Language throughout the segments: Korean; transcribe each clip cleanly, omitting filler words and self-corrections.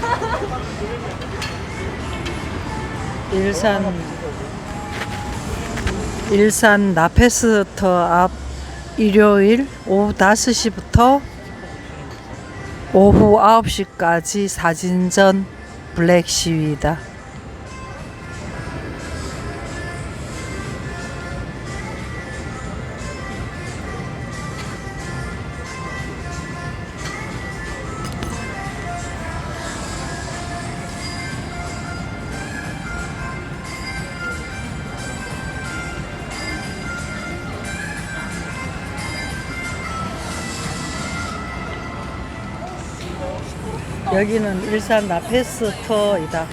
일산 나페스터 앞 일요일 오후 5시부터 오후 9시까지 사진전 블랙 시위다. 여기는 일산 나페스터이다.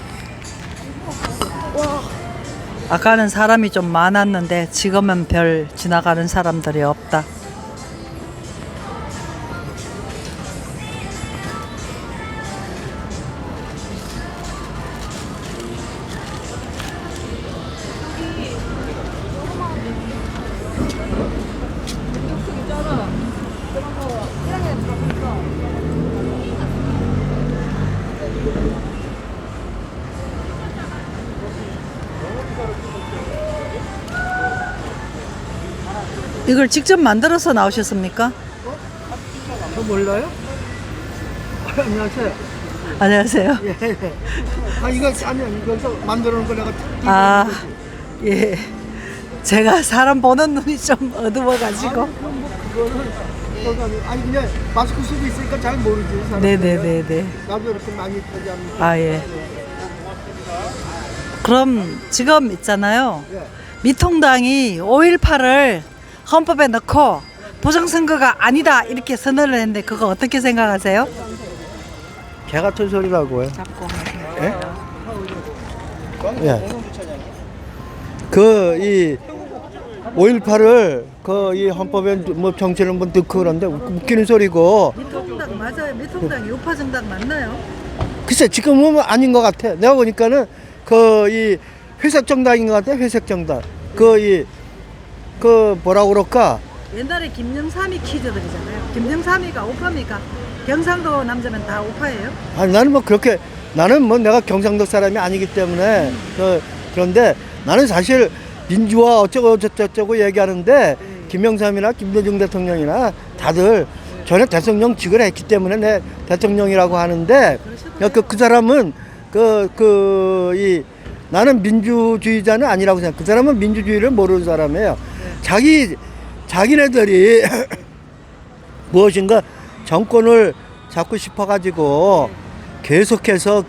아까는 사람이 좀 많았는데 지금은 별 지나가는 사람들이 없다. 이걸 직접 만들어서 나오셨습니까? 저 몰라요? 안녕하세요. 안녕하세요. 예. 이거 아니 여기서 만들어 놓은 거 내가 아, 예. 제가 사람 보는 눈이 좀 어두워가지고. 그럼 뭐 그거는 아니 그냥 마스크 쓰고 있으니까 잘 모르지 사람들이. 네네네네. 나도 이렇게 많이 하지 않는. 아, 예. 그럼 지금 있잖아요. 예. 미통당이 5.18을 헌법에 넣고 부정선거가 아니다 이렇게 선언을 했는데 그거 어떻게 생각하세요? 개 같은 소리라고요. 예? 예. 이 5.18을 이 헌법에 뭐 정치를 한번 넣고 그런데 웃기는 소리고. 미통당 맞아요. 미통당이 우파 정당 맞나요? 글쎄 지금은 아닌 것 같아. 내가 보니까는 이 회색 정당인 것 같아. 회색 정당. 뭐라고 그럴까? 옛날에 김영삼이 퀴즈들이잖아요. 김영삼이가 우파입니까? 경상도 남자면 다 우파예요? 아니 나는 뭐 내가 경상도 사람이 아니기 때문에 그런데 나는 사실 민주화 어쩌고 저쩌고 얘기하는데 김영삼이나 김대중 대통령이나 다들 전에 대통령직을 했기 때문에 내 대통령이라고 하는데 그 사람은 나는 민주주의자는 아니라고 생각. 그 사람은 민주주의를 모르는 사람이에요. 자기네들이 무엇인가 정권을 잡고 싶어가지고 계속해서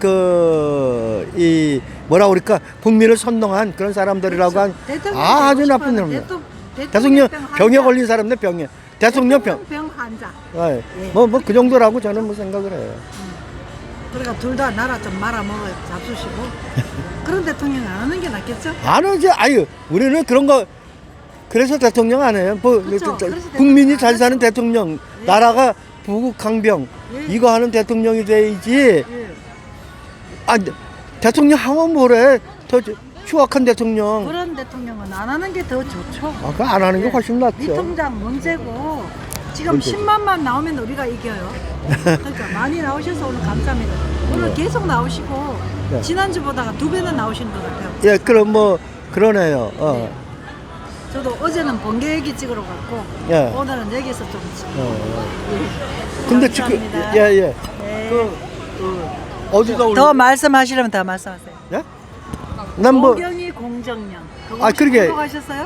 뭐라고 그럴까 국민을 선동한 그런 사람들이라고 한 아주 나쁜 놈이에요. 대통령 병에 걸린 사람들 병에 대통령 병 환자. 네. 뭐 그 정도라고 저는 뭐 생각을 해요. 그러니까 둘 다 나라 좀 말아먹어 잡수시고 그런 대통령 안 하는 게 낫겠죠? 안 하지. 아유 우리는 그런 거 그래서 대통령 안 해요. 그쵸, 그래서 국민이 대통령 잘 안 사는 하죠. 대통령, 예. 나라가 부국강병 예. 이거 하는 대통령이 돼야지. 예. 아 대통령 하면 뭐래? 더 추악한 대통령. 그런 대통령은 안 하는 게 더 좋죠. 그거 안 하는 게 훨씬 낫죠. 미통당 문제고 지금 그렇죠. 10만만 나오면 우리가 이겨요. 그러니까 많이 나오셔서 오늘 감사합니다. 오늘 계속 나오시고 네. 지난주보다가 2배는 나오시는 것 같아요. 예, 그럼 뭐 그러네요. 네. 저도 어제는 번개 얘기 찍으러 갔고 예. 오늘은 여기서 좀 찍고. 근데 감사합니다. 예예. 네. 어디가 올라? 더 말씀하시려면 더 말씀하세요. 예? 난 뭐 공경이 공정년. 그거 아, 혹시 그러게. 공부하셨어요?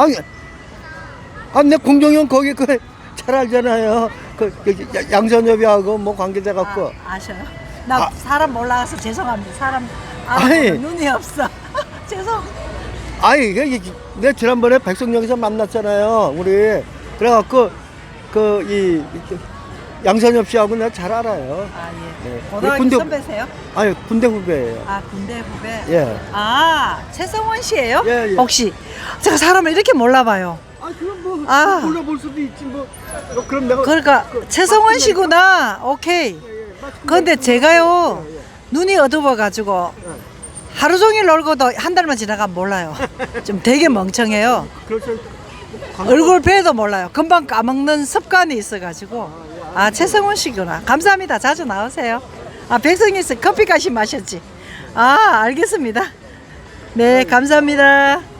내 공정형 거기 잘 알잖아요. 양선엽이하고 뭐 관계돼 갖고. 아셔요? 나 사람 몰라서 죄송합니다. 사람 아니. 눈이 없어. 죄송. 내가 지난번에 백석역에서 만났잖아요. 우리 그래갖고 이 양선엽 씨하고 내가 잘 알아요. 아 예. 네. 고등학교 군대- 선배세요? 아니 군대 후배예요. 아 군대 후배. 예. 아 최성원 씨예요? 예, 예. 혹시 제가 사람을 이렇게 몰라봐요. 그럼 뭐 아. 몰라볼 수도 있지 뭐. 그럼 내가 그러니까 최성원 씨구나. 오케이. 근데 제가요 눈이 어두워가지고 하루 종일 놀고도 한 달만 지나가면 몰라요. 좀 되게 멍청해요. 그래서 얼굴 뵈도 몰라요. 금방 까먹는 습관이 있어가지고. 아 최성원 씨구나. 감사합니다. 자주 나오세요. 아, 백성에서 커피까지 마셨지. 아, 알겠습니다. 네, 감사합니다.